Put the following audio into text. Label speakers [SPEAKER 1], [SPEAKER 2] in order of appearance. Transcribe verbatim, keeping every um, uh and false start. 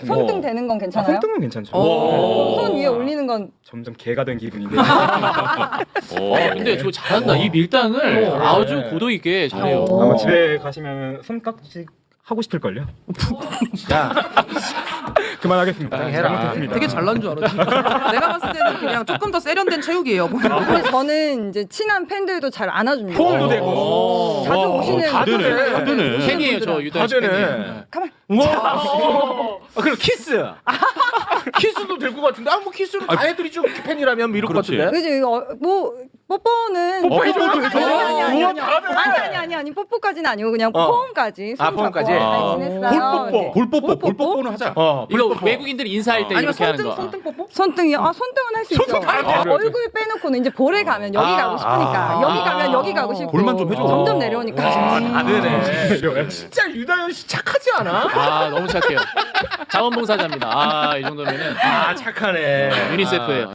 [SPEAKER 1] 손등 대는 건
[SPEAKER 2] 아,
[SPEAKER 1] 괜찮아요?
[SPEAKER 2] 손등은 괜찮죠.
[SPEAKER 1] 어, 손 위에 올리는 건
[SPEAKER 2] 점점 개가 된 기분인데.
[SPEAKER 3] 어, 근데 저 잘한다. 이 밀당을
[SPEAKER 4] 어.
[SPEAKER 3] 아주
[SPEAKER 4] 네.
[SPEAKER 3] 고도 있게 잘해요.
[SPEAKER 1] 어.
[SPEAKER 2] 아마 집에 가시면 손깍지 하고 싶을걸요?
[SPEAKER 4] 야,
[SPEAKER 2] 그만하겠습니다.
[SPEAKER 4] 적당히 해라.
[SPEAKER 2] 잘못했습니다.
[SPEAKER 5] 되게 잘난 줄 알았지. 내가 봤을 때는 그냥 조금 더 세련된 체육이에요.
[SPEAKER 1] 근데 저는 이제 친한 팬들도 잘 안아줍니다.
[SPEAKER 4] 포옹도 되고.
[SPEAKER 3] 어.
[SPEAKER 1] 자주
[SPEAKER 4] 와,
[SPEAKER 1] 오시는
[SPEAKER 4] 다 되네.
[SPEAKER 1] 분들.
[SPEAKER 4] 다 되네.
[SPEAKER 3] 팬이에요, 저 유다현 씨
[SPEAKER 4] 다 되네.
[SPEAKER 3] 팬이에요.
[SPEAKER 1] 가만.
[SPEAKER 4] 우와. 아, 그럼 키스. 키스도 될 것 같은데. 아, 뭐 키스는 다 해드리죠. 팬이라면 뭐 이럴 것
[SPEAKER 6] 그렇지.
[SPEAKER 4] 같은데.
[SPEAKER 1] 그지 어, 뭐 뽀뽀는
[SPEAKER 4] 뽀뽀 해줘요,
[SPEAKER 1] 아니,
[SPEAKER 4] 해줘요.
[SPEAKER 1] 아니 아니
[SPEAKER 4] 우와,
[SPEAKER 1] 아니
[SPEAKER 4] 잘하네.
[SPEAKER 1] 아니 아니 아니 아니 뽀뽀까지는 아니고 그냥
[SPEAKER 4] 어.
[SPEAKER 1] 포옹까지. 손
[SPEAKER 4] 아, 포옹까지?
[SPEAKER 1] 잡고
[SPEAKER 6] 아.
[SPEAKER 1] 잘 지냈어요.
[SPEAKER 4] 볼뽀뽀.
[SPEAKER 6] 볼뽀뽀, 볼뽀뽀는 하자.
[SPEAKER 4] 어,
[SPEAKER 3] 이거
[SPEAKER 4] 불뽀뽀.
[SPEAKER 3] 외국인들이 인사할 때
[SPEAKER 5] 아니면
[SPEAKER 3] 이렇게 하는
[SPEAKER 5] 손등
[SPEAKER 3] 거.
[SPEAKER 5] 손등 뽀뽀?
[SPEAKER 1] 손등이요? 아 손등은 할 수 있죠.
[SPEAKER 4] 다 돼.
[SPEAKER 1] 얼굴 빼놓고는 이제 볼에 가면 여기
[SPEAKER 4] 아,
[SPEAKER 1] 가고 싶으니까
[SPEAKER 4] 아,
[SPEAKER 1] 여기
[SPEAKER 3] 아,
[SPEAKER 1] 가면 여기 가고 싶고
[SPEAKER 6] 볼만 좀 해줘.
[SPEAKER 1] 점점 내려오니까.
[SPEAKER 4] 와, 다
[SPEAKER 2] 아,
[SPEAKER 4] 되네. 진짜 유다현 씨 착하지 않아?
[SPEAKER 3] 아, 너무 착해요. 자원봉사자입니다. 아, 이 정도면은
[SPEAKER 4] 아, 착하네.
[SPEAKER 3] 유니세프예요.